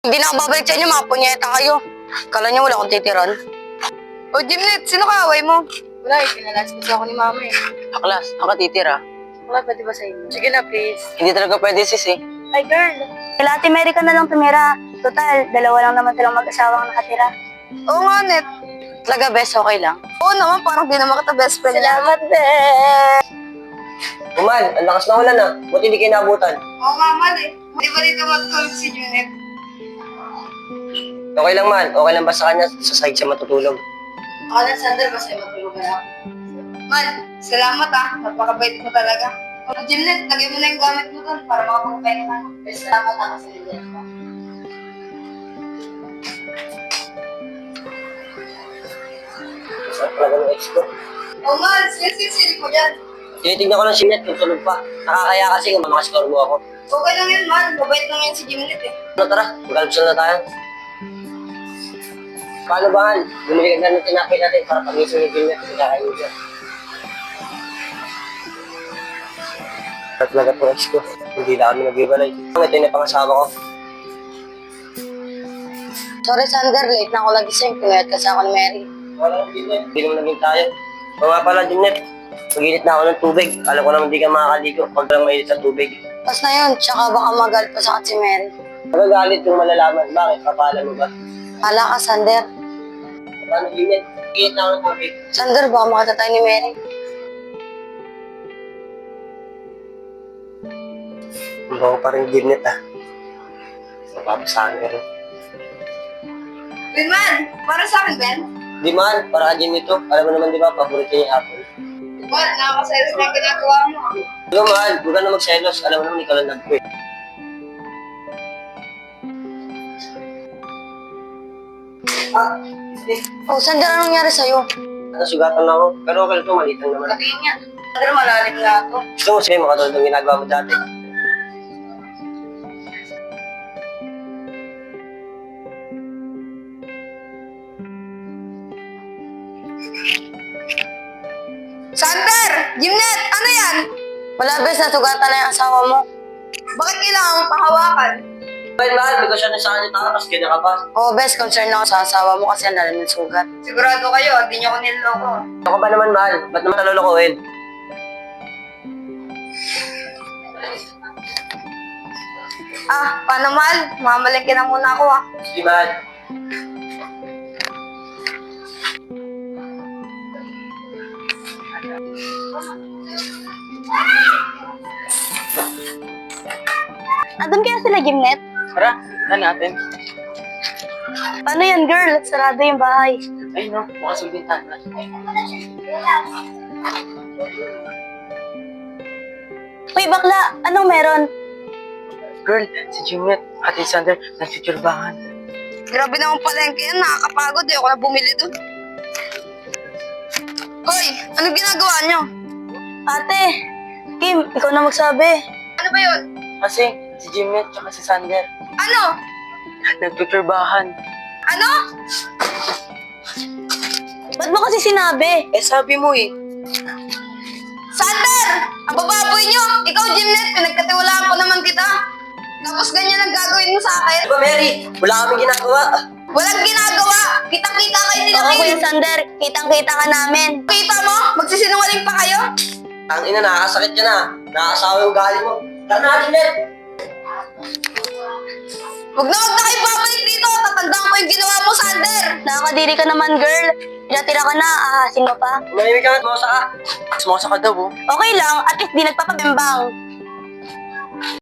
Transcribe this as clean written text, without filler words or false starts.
Hindi na ako babalik sa inyo, mga punyeta kayo. Kala niyo wala akong titiran? O, Jimnet, sino kaaway mo? Wala eh, pinalas kasi ako ni mama eh. Aklas, ako titira. Wala, pwede ba sa inyo? Sige na, please. Hindi talaga pwede, sis eh. Ay, girl. Kila Ate Mary ka na lang tumira. Total, dalawa lang naman silang mag-asawang nakatira. Oo nga, Net. Talaga, best, okay lang. Oo naman, parang di naman kita best friend. Salamat, Ben! Uman, ang lakas na ulan ah. Buti hindi kayo naabutan. Oo nga, man eh. Di ba dito matulog si Junet? Okay lang man. Okay lang ba sa kanya? Sa side siya matutulog. Ako na, Sander, basta yung matulog na ako. Man, salamat ah. Napakabait mo talaga. O, Junet, lagay mo na yung gamit mo doon para makapagpahinga ka. Salamat ah, kasi nandiyan ka. Saan talaga ng ex ko? Oo man, sili ko dyan. Tinitignan ko lang si Net kung tulog pa. Nakakaya kasi kung makascore mo ako. Okay lang yun, man. Mabait lang yan si Junet eh. Ano tara, mag-almusal na tayo. Paano ba, Han? Bumili ka na ng tinapay natin para pag-isip ni Net kung kakainin siya. At talaga po ex ko. Hindi na kami nag-ibalay. Ito yung pangasawa ko. Sorry, Sander, late na ako lagising. Pinayat kasi ako ni Mary. Wala kang Net. Hindi naman naging tayo. O nga pala, Net. Mag-init na ako ng tubig. Alam ko naman di ka makakaligo pag lang mainit sa tubig. Pas na yun, tsaka baka magalit pa sa akin si Mary. Magagalit yung malalaman. Bakit? Papaalam mo ba? Hala ka, Sander. Paano, Net? Init na ako ng tubig. Sander, baka makita tayo ni Mary. Hindi ko pa rin Net ah. Napapasahan ka rin. Ben, man. Para sa akin, Ben. Di man, para ka nito. Alam mo naman di ba, paborito niya yung apple. Man, nakakaselos na yung ginagawa mo. Di ba, mahal? Huwag ka na magselos. Alam mo naman, ikaw lang nag-quit. Oh, Sander, anong nangyari sa'yo? Nasugatan na ako. Pero okay lang ito, maliit lang naman. Sabihin niya. Sander, malalim nga to. Gusto mo sa'yo, makatulad ng ginagawa mo dati. Sander! Jimnet! Ano yan? Wala, bes, nasugatan na yung asawa mo. Bakit kailangan mong pahawakan? Well, mahal, because siya na sa kanya tao, tapos kanya ka pa. Oh, bes, concern ako sa asawa mo kasi ang lalim ng sugat. Sigurado kayo, hindi niyo ko niloloko. Ako ba naman, mahal? Ba't naman nalolokohin? Ah, paano mahal? Mamalengke na muna ako ah. Sige, mahal. Andun kaya sila, Jimnet? Tara, na natin. Paano yan, girl? Sarado yung bahay. Ay, no, bukas yung bintana. Uy, bakla! Anong meron? Girl, si Junet, Ate Sander, nagsiturbahan. Grabe naman palengke yan, nakakapagod. Di ako na bumili doon. Hoy, anong ginagawa niyo? Ate! Kim, ikaw na magsabi. Ano ba yun? Kasi, si Junet, tsaka si Sander, Ano? nagtuturbahan. Ano? Ba't mo kasi sinabi? Eh, sabi mo eh. Sander! Ang bababoy niyo! Ikaw, Jimnet, pinagkatiwalaan ko naman kita. Tapos ganyan ang gagawin mo sa akin. Di ba, Mary? Wala kaming ginagawa. Walang ginagawa! Kitang-kita kayo nila Oo, Kim. Kuya Sander, kitang-kita ka namin. Kita mo? Magsisinungaling pa kayo? Ang ina, nakakasakit ka na. Nakakasawa yung galing mo. Tara na, Junet! Huwag na kayo babalik dito! Tatandaan ko yung ginawa mo, Sander! Nakakadiri ka naman, girl. Tira-tira ka na, ahasin mo pa. Tumahimik ka nga, tumosa ka. Tumosa ka daw, oh. Okay lang, at least di nagpapabimbang.